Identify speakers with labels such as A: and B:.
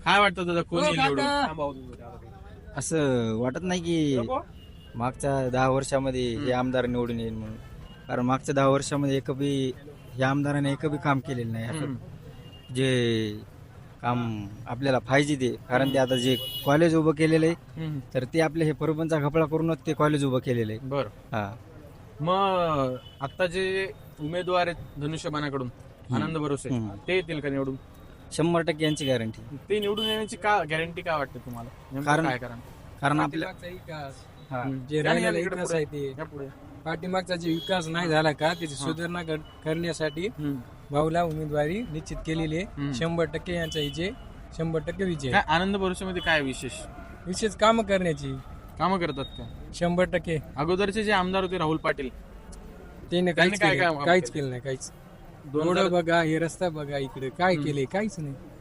A: काय वाटतं दादा कोण येईल निवडून?
B: असं वाटत नाही की मागच्या 10 वर्षामध्ये हे आमदार निवडून येईल म्हणून. कारण मागच्या 10 वर्षामध्ये या आमदाराने एकही काम केलेलं नाही असं जे काम आपल्याला पाहिजे ते. कारण ते आता जे कॉलेज उभं केलेलं आहे तर ते आपले हे परबनचा घपळा करूनच ते कॉलेज उभं केलेलं आहे.
A: बर
B: हा
A: मग आता जे उमेदवार आहेत धनुष्यबाणाकडून आनंद भरोसे ते येतील का निवडून?
B: 100% यांची गॅरंटी.
A: ते निवडून येण्याची का गॅरंटी काय वाटते तुम्हाला? नेमकं
B: कारण-
A: काय कारण?
B: कारण आपल्या
C: विकास
B: हा.
C: जे राहिलेला विकास आहे ते
A: या पुढे.
C: पाठीमागचा जे विकास नाही झाला का त्याची सुधारणा करण्यासाठी भाऊला उमेदवारी निश्चित केलेली आहे. 100% यांचा विजय 100% विजय
A: काय आनंद भरोसेमध्ये काय
C: विशेष काम करण्याची
A: कामं करतात का?
C: 100%.
A: अगोदरचे जे आमदार होते राहुल पाटील
C: त्याने
A: त्यांनी काय काम
C: काहीच केलं नाही काहीच. रोड बघा, हे रस्ता बघा, इकडे काय केले काहीच नाही.